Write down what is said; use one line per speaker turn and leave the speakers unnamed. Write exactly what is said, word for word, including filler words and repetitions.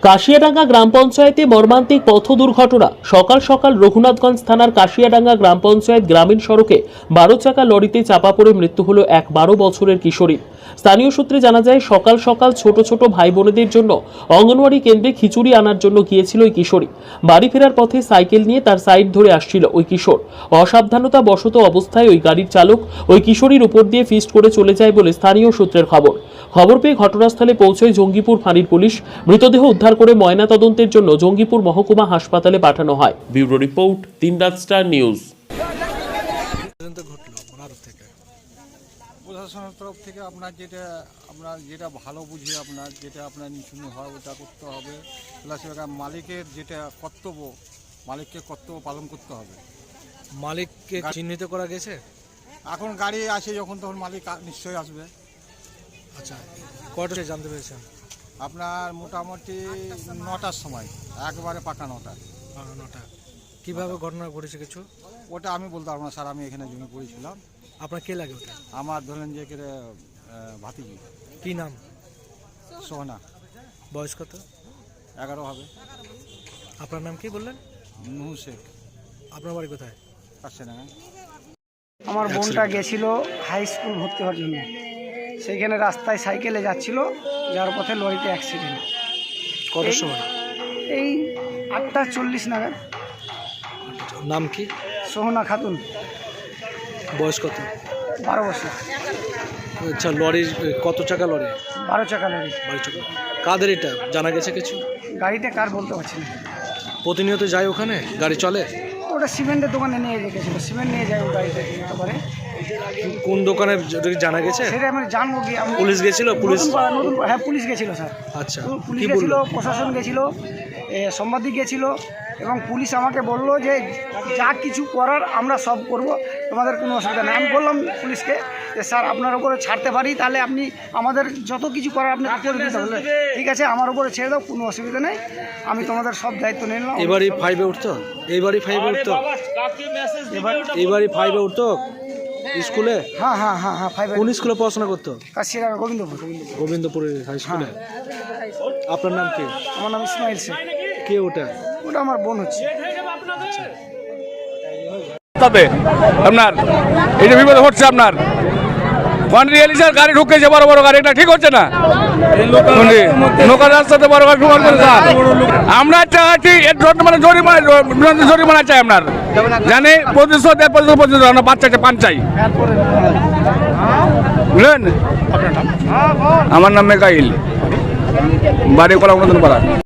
কাশিয়াডাঙ্গা গ্রাম পঞ্চায়েতে মর্মান্তিক পথ দুর্ঘটনা। সকাল সকাল রঘুনাথগঞ্জ থানার কাশিয়াডাঙ্গা গ্রাম পঞ্চায়েত গ্রামীণ সড়কে বারো চাকা লরিতে চাপা পড়ে মৃত্যু হলো এক বারো বছরের কিশোরী। স্থানীয় সূত্রে জানা যায়, সকাল সকাল ছোট ছোট ভাই বোনেদের জন্য অঙ্গনওয়াড়ি কেন্দ্রে খিচুড়ি আনার জন্য গিয়েছিল ওই কিশোরী। বাড়ি ফেরার পথে সাইকেল নিয়ে তার সাইড ধরে আসছিল ওই কিশোর। অসাবধানতা বশত অবস্থায় ওই গাড়ির চালক ওই কিশোরীর উপর দিয়ে ফিস্ট করে চলে যায় বলে স্থানীয় সূত্রের খবর। খবর পেয়ে ঘটনাস্থলে পৌঁছয় জঙ্গিপুর ফাঁড়ির পুলিশ। মৃতদেহ উদ্ধার করে ময়না তদন্তের জন্য জঙ্গিপুর মহকুমা হাসপাতালে পাঠানো হয়। ব্যুরো রিপোর্ট, তিন রাত স্টার নিউজ।
প্রশাসনের তরফ থেকে আপনার যেটা আপনার যেটা ভালো বুঝে আপনার যেটা আপনার নিচুনি হয় ওটা করতে হবে, প্লাস মালিকের যেটা কর্তব্য মালিককে কর্তব্য পালন করতে হবে।
মালিককে চিহ্নিত করা গেছে?
এখন গাড়ি আসে যখন তখন মালিক নিশ্চয়ই আসবে।
আচ্ছা, কটা জানতে পেরেছেন?
আপনার মোটামুটি নটার সময়, একবারে পাকা নটা
নটা কীভাবে ঘটনা ঘটেছে কিছু?
ওটা আমি বলতে পারবো না স্যার, আমি এখানে জমি পড়েছিলাম।
আপনার কে লাগে ওটা?
আমার ধরেন যে কে ভাতিজি।
কি নাম?
সোহনা।
বয়স কত?
এগারো হবে।
আপনার নাম কি বললেন?
নুহু শেখ।
আপনার বাড়ি কোথায়?
কাশিয়াডাঙ্গা।
আমার বোনটা গেছিল হাই স্কুল ভর্তি হওয়ার জন্য, সেইখানে রাস্তায় সাইকেলে যাচ্ছিল, যাওয়ার পথে লরিতে অ্যাক্সিডেন্ট।
কটার সময়?
এই আটটা চল্লিশ নাগাদ।
নাম কি?
সোহনা খাতুন।
বয়স কত?
বারো বছর।
আচ্ছা, লরির কত চাকা লরি?
বারো চাকা লরি।
বারো চাকা। কাদের এটা জানা গেছে কিছু?
গাড়িটা কার বলতে পারছি না।
প্রতিনিয়ত যায় ওখানে? গাড়ি চলে?
ওটা সিমেন্টের দোকানে নিয়ে গেছিলো, সিমেন্ট নিয়ে যায় ওই গাড়িটা একেবারে।
কোন দোকানে জানা গেছে?
সেটা আমি জানবো কি?
পুলিশ গেছিল? পুলিশ
নতুন, হ্যাঁ পুলিশ গেছিলো স্যার।
আচ্ছা,
পুলিশ গেছিলো, প্রশাসন গেছিলো, সাংবাদিক গেছিলো, এবং পুলিশ আমাকে বললো যে যা কিছু করার আমরা সব করব, তোমাদের কোনো অসুবিধা নেই। আমি বললাম পুলিশকে যে স্যার আপনার উপরে ছাড়তে পারি, তাহলে আপনি আমাদের যত কিছু করার আপনি করে দিতে বললেন। ঠিক আছে, আমার উপরে ছেড়ে দাও, কোনো অসুবিধা নেই, আমি তোমাদের সব দায়িত্ব নিয়ে নিলাম।
এবারই ফাইভে উঠতো? এইবারই ফাইভে উঠতো? এইবারই ফাইভে উঠতো স্কুলে?
হ্যাঁ হ্যাঁ হ্যাঁ হ্যাঁ ফাইভ।
কোন স্কুলে পড়াশোনা করতো?
কাশিয়াডাঙ্গা গোবিন্দপুর।
গোবিন্দপুরের হাই স্কুলে। আপনার নাম কি?
আমার নাম ইসমাইল শেখ।
কে ওটা?
ওটা আমার বোন হচ্ছে।
আপনার এই যে বিপদ হচ্ছে, আপনার রিয়েলিজার গাড়ি ঢুকেছে, বড় বড় গাড়ি, এটা ঠিক হচ্ছে না। নৌকার রাস্তাতে বড় গাড়ি ঢুকার করে আমরা চাচ্ছি মানে জরিমানা জরিমানা চাই আপনার, জানি প্রতিশোধ প্রতিশোধ আমরা বাচ্চা পান চাই, বুঝলেন? আমার নাম মেকাইল, বাড়ি কলা নতুন পাড়া।